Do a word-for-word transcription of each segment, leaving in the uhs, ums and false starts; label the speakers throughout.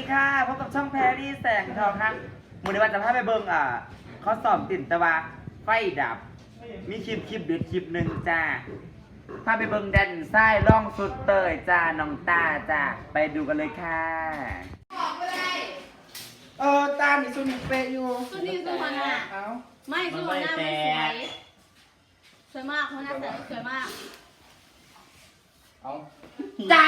Speaker 1: ค่ะพบกับช่องแพรรี่แสงทองครับมูลนิธิจะพาไปเบิ่งอ่ะเขาสอบติ่นตะวาไฟดับ มีคลิปคลิปเด็ดคลิปหนึ่งจ้าพาไปเบิ่งแดนไส้ร่องสุดเตยจ้าน้องตาจ้าไปดูกันเลยค่ะ
Speaker 2: บอกไปเลย
Speaker 3: เออตานี่สุนิเปอยู่
Speaker 2: สุนีสุวรรณอ่ะ
Speaker 3: เอ้า
Speaker 2: ไม่สุวรรณมันสวยสวยมากคนหน้าแต่สวยมาก
Speaker 3: เอา
Speaker 2: จ้า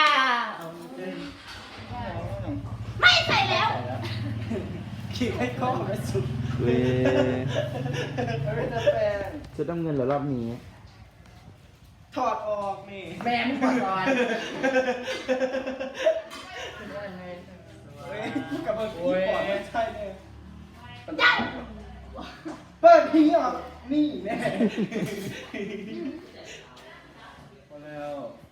Speaker 2: ไม่ใส่แล้ว
Speaker 3: ขี่ให้เข้าไปสุด
Speaker 1: เว้ย
Speaker 3: ไม่จะแปลง
Speaker 1: ชุดน้ำเงินเหรอรอบนี้
Speaker 3: ถอดออกนี่
Speaker 2: แม่มึงก่อนก่อน
Speaker 3: เฮ้ยกับเมื่อกี้ก่อนไม่ใช่เนี่ย
Speaker 2: จ้า
Speaker 3: เปิดทีออกนี่แน่พอแล้ว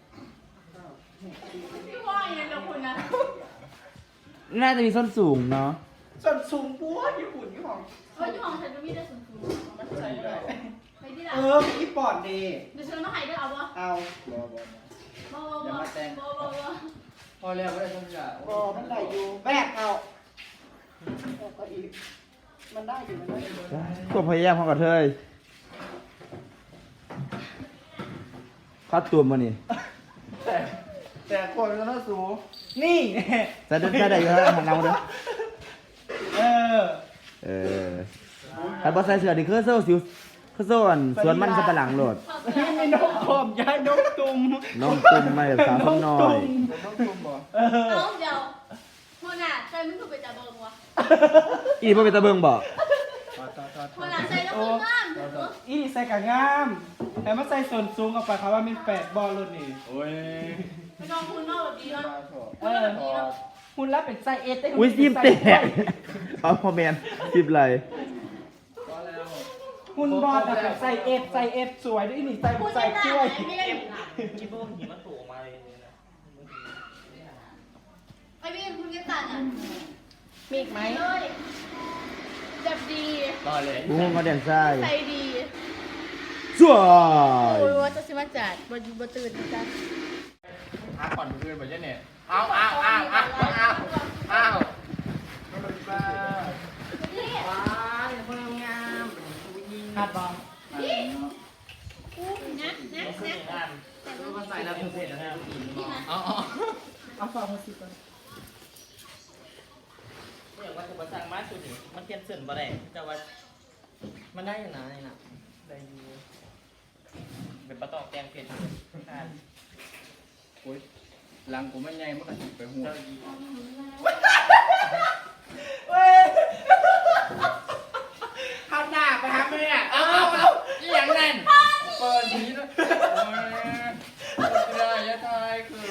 Speaker 2: พี่ว่าอย่างไรกับคุณนะ
Speaker 1: น่าจะมีส้นสูงเนาะ
Speaker 3: ส่วนสูงปัวญี่ปุ่นที่ของ
Speaker 2: เฮ้ยที่ของฉันจะมีแต่สูงสูง
Speaker 3: มันใส่ได้
Speaker 2: ไปที่ไหน
Speaker 3: เออมีปอดดี
Speaker 2: เดี๋ยวฉันมาให้ด้วยเอาวะ
Speaker 3: เอาบอบอบ
Speaker 2: อบอบอบอบอ
Speaker 4: พอแล้วไม่ได้ทุกอย่าง
Speaker 3: บอมันได้อยู่แบกเอาแบกก็อีกมันได้อยู่มันได้อยู่
Speaker 1: ก็พยายามพอกับเธอคัดตัวมานี่
Speaker 3: แต่แต่คนมันต้องสูงนี่
Speaker 1: จะได้ได้เยอะของเราเด้อ
Speaker 3: เออ
Speaker 1: เออถ้าบอสใส่เสื้อนี่คือโซ่สิวคือโซ่อันสวนมันสับปะหลังโหลด
Speaker 3: นี่มีนกขอมย้ายนกตุ่ม
Speaker 1: น้องตุ้มมาแบบสาวข้างน้อย
Speaker 3: นกตุ่มบ่เออ
Speaker 2: เอาเดี๋ยวคนอ่ะใจมึงถูกไปจับเบิงวะ
Speaker 1: อีพ่อเป็นตะเบิงบอก
Speaker 2: คนอ่ะใจแล้วมึงงาม
Speaker 3: อีนี่ใส่กะงามแต่มาใส่ส่วนสูงกับไปเขาว่ามีแปดบอลรุ่นนี่
Speaker 4: โอ้ย
Speaker 2: ไม่ต้องคุณนอกแบบนี้เนาะ
Speaker 3: เออคุณรับเป็นไส้เอสได้
Speaker 1: อุ้ยซิมแตกเอาพอแมนซิมไร
Speaker 4: พอแล้ว
Speaker 3: คุณบอลแบบไส้เอสไส้เอสสวยด้วยนี่ใส่
Speaker 2: คุณ
Speaker 3: ใส่
Speaker 2: ไม่ได้
Speaker 3: ช่วย
Speaker 2: ไม่ได้
Speaker 4: คิดว่าหิมะถูกมาเลยนะ
Speaker 2: ไอ้พี่คุณจะตัดอ่ะ
Speaker 3: มีอีกไหม
Speaker 2: เลยจับดี
Speaker 4: ต่อเลย
Speaker 1: บุ้งเขาแดนซ้าย
Speaker 2: ใจดี
Speaker 1: สวย
Speaker 2: โอ้ยว่าจะสิมาจัดบนบนตื่นจ้ะ
Speaker 4: หาก่อนเพื่อนแบบนี้เนี่ยเอาเอาเอาเอาเอาเอาบ้า
Speaker 2: นี่
Speaker 4: ว้าอย่าเพิ่งงามยิง
Speaker 3: คาดบอล
Speaker 2: นี่นะนะ
Speaker 4: เสร็
Speaker 2: นะ
Speaker 4: จอ่านก็ใส่แล้วเสร็จแล้วอ๋อ
Speaker 3: เอาฟังมาสิก่อน
Speaker 4: อย่างว่าถูกประสังมาสุดนี่มันเทียนเสื่อมบ่ได้แต่ว่ามันได้ยังไงน่ะได้อยู่เป็นปลาตอกแกงเผ็ดอ่าน
Speaker 5: โอ้ยหลังกูไม่ไงมันก็สิไปหัว
Speaker 4: เจ้าดี
Speaker 3: เว้ย
Speaker 4: ข้าวหน้าไปหาแม่เอาเอาเอาอย่างนั้นเปิดทีนะโอ้ยไม่ได้ยะทายคือ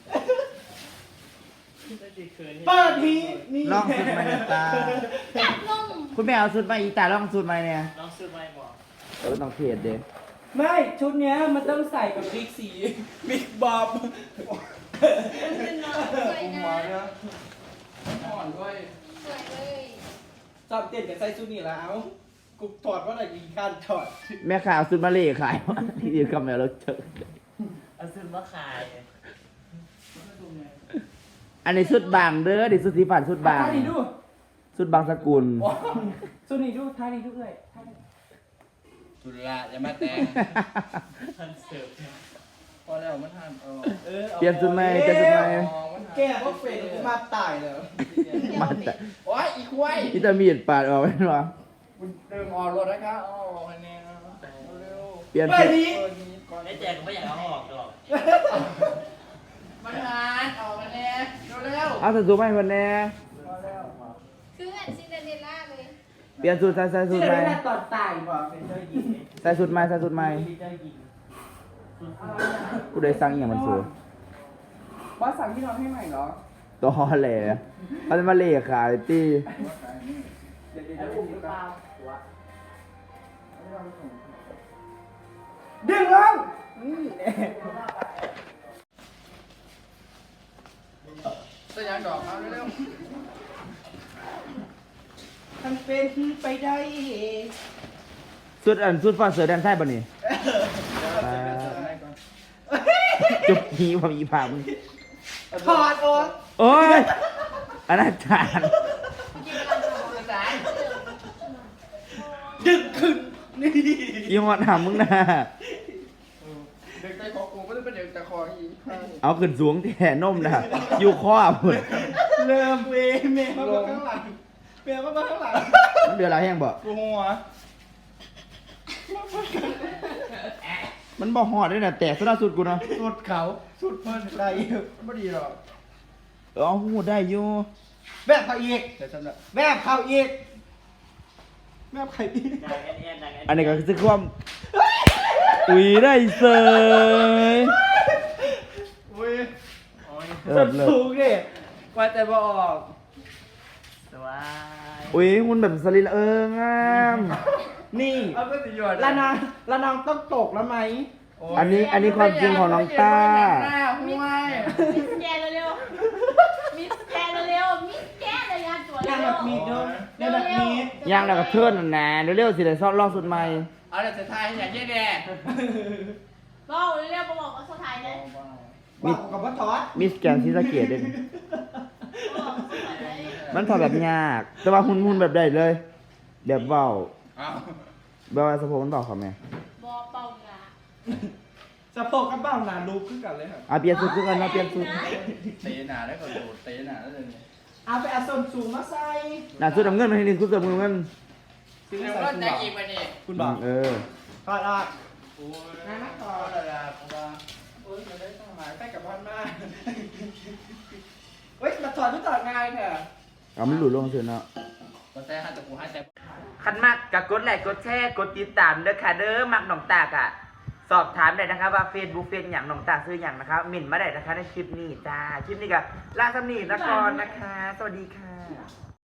Speaker 3: เปิดทีนี่
Speaker 1: ลองสุดมาเนี่ยตา
Speaker 2: จับลง
Speaker 1: คุณแม่เอาสุดมาอีตาลองสุดมาเนี่ย
Speaker 4: น้องซื้อไม่บอก
Speaker 1: เออต้องเทียดเด้
Speaker 3: ไม่ชุดเนี้ยมันต้องใส่กับบิ๊กสีบิ๊กบอบ
Speaker 2: เป็นน้องสวยนะ
Speaker 5: อ่อนด้วย
Speaker 2: สวยเลย
Speaker 3: จอบเต้นกับใส่ชุดนี้แล้วกูถอดว่าอะไรอีกการถอด
Speaker 1: แม่ขาวสุดมาเล่ขายวะที่ยืนกับแมวแล้วเจอ
Speaker 4: เอาซื้อมาขาย
Speaker 1: อันนี้สุดบางเด้อดิสุดสีฝันสุดบาง
Speaker 3: ท่านี้ดู
Speaker 1: สุดบางสกุล
Speaker 3: ชุดนี้ดูท่านี้ดูเลยท่านี้
Speaker 5: สุดละอย่ามาแต่ง
Speaker 4: ทันเสิร์ฟ
Speaker 5: พอแล้วมันทานเออ
Speaker 3: เอออา
Speaker 1: เปลี่ยนสุดไหมเปลี่ยนสุดไหม
Speaker 5: มองมันทาน
Speaker 3: แก้พวกเฟรนกูมาตายเลย
Speaker 1: มาแต่
Speaker 5: โอ้ยอีควาย
Speaker 1: วิตามินปาดออกไปหรอ
Speaker 5: คุณเดิมออกรถนะคะอ๋อคะแนนเร็ว
Speaker 1: เปลี่ยน
Speaker 3: เปิ
Speaker 1: สุ
Speaker 3: ด
Speaker 1: ด
Speaker 3: ที
Speaker 5: เปิดนี้ก่อน
Speaker 4: ไม่แจกก็ไม่อยากเอาออกหรอก
Speaker 5: มันทานออกคะแนนเร็ว
Speaker 1: เอาสุดสูงไหมคนแน่
Speaker 5: พอแล้ว
Speaker 2: คือเหมือนซินเดอเรลล่าเลย
Speaker 1: เปลี่ยนสุดใส่ใส่สุ
Speaker 3: ที่
Speaker 1: ด
Speaker 3: เรา
Speaker 1: ไหม
Speaker 3: ได้ตอนตายบอกเป็นเจ้าหญิง
Speaker 1: ใส่สุดไหมใส่สุดไหม
Speaker 3: เจ้าหญิง
Speaker 1: กูได้สั่งอหย่างมันสู
Speaker 3: บอสสั่งที่นอนให้ใหม่เหรอ
Speaker 1: ตัวฮอแหล่เขาจะมาเล่ขายตี
Speaker 3: เดี๋ยวเดี๋ยวจะอุ้มหรือเปล่าดึงลงนี่แน่
Speaker 5: สยามดอกเอาเร็ว
Speaker 3: มันเป็นไปได้
Speaker 1: สุดอันสุดฟ้าเสือแดนใต้ป่ะนี่
Speaker 5: ๆให้ก่อน
Speaker 1: จุบหีความอีผามึง
Speaker 3: ถอดออก
Speaker 1: โอ้ยอนาจาร
Speaker 2: กินไปแล้วจะบอก
Speaker 5: ภาษา
Speaker 3: ดึกขึ้นนี่
Speaker 1: อีหอดหามึงนะ
Speaker 3: เด็กใจคอกูไม่ได้เป็นเด็กใจคออีก
Speaker 1: เอาขึ้นสูงแท่นมนะอยู่ข้อพุ่น
Speaker 3: เริ่มเวเมย์มาข้างหลังเมย์มาข้างหลัง
Speaker 1: มันเดือดอะไรแห้งบ่
Speaker 3: กูหัว
Speaker 1: มันบ่ฮอดด้วยนะแต่สุดสุดกูเนาะ
Speaker 3: สุดเขาสุดเพิ่นได้ไม่ดีหรอก
Speaker 1: เออหูได้อยู่
Speaker 3: แบบเขาอีกแต่สำหรับแบบเขาอีกแบบใครอีก
Speaker 4: ดังแอนแอนดังแอน
Speaker 1: อันนี้ก็คือความอุ้ยได้เสย
Speaker 3: อุ้ย
Speaker 4: โอ้ย
Speaker 1: เลิศเลิศ
Speaker 3: สูงดิว่าแต่บอก
Speaker 4: สวย
Speaker 1: อุ้ยหุ่นแบบสลิลเอองาม
Speaker 3: นี่
Speaker 5: เอาก็สิหยด
Speaker 3: ละนางละนางต้องตกแล้วไหม
Speaker 1: อันนี้อันนี้ความจริงของน้องต้า
Speaker 5: หน้าห้วย
Speaker 2: มิสแกนเร็วๆมิสแกนเร็วๆมิสแกนเลยงานตัว
Speaker 3: นาง
Speaker 2: เร็
Speaker 3: แบบ
Speaker 2: ว
Speaker 3: มีเดิมนางแบบมี
Speaker 1: ย่างแล้วก็เทิร์นนั่นนะเร็วๆสิได้ซ่อนลองสุดใหม่
Speaker 5: เอาแต่สุดท้ายอย่างเงี้ยแน่
Speaker 2: ๆบอกเร็วๆบอกว่าสุดท้ายเลย
Speaker 3: บอกกับว่าทอด
Speaker 1: มิสแกนซีสะเกียดเด่น
Speaker 2: บอกสุดท้ายเลย
Speaker 1: มันทำแบบยาก แต่ว่าหุ่นหุ่นแบบได้เลยแบบเบา
Speaker 5: เอา
Speaker 1: แบบว่าสะโพกมันเบาเขาไหม
Speaker 2: บอกเป่างา
Speaker 3: สะโพกกับเบ้าหนารูปขึ้นกันเลยครับ
Speaker 1: อ่ะเปลี่ยนสุดคือกันนะเปลี่ยนสุด
Speaker 5: เตะหนาได้ก่อนโดดเตะหนาได้เลย
Speaker 3: เอาไปเอาส้นสูงมาใส่
Speaker 1: หน้าสุดน้ำเงินมาทีนึงสุดเสริมเงิน
Speaker 3: ซื้อ
Speaker 5: เดี๋ยว
Speaker 3: ใส่
Speaker 5: ก็
Speaker 3: คุณ
Speaker 5: จะ
Speaker 3: บอก
Speaker 5: กินไปนี่
Speaker 3: คุณบอก
Speaker 1: เออ
Speaker 3: ทอดอ่ะ
Speaker 5: โอ้ย
Speaker 3: นั่นนะทอดอะไรเพราะว่าโอ้ยมันได้ต้องหมายใกล้กับบ้านมากเฮ้ยมาถอดทุกถอดง่ายเถอะ
Speaker 1: เอามันหลุดลงเถอะเนาะ
Speaker 5: ก็แต่ห้าตะกูห้าแต่
Speaker 1: คันมากกับกดไลค์กดแชร์กดติดตามเด้อค่ะเด้อมักน้องตากอะสอบถามได้นะครับว่า Facebook เฟซอย่างน้องตากซื้ออย่างนะครับหมิ่นมาได้นะคะในคลิปนี้จ้า คลิปนี้ก็ลาสำนีละก่อนนะคะ สวัสดีค่ะ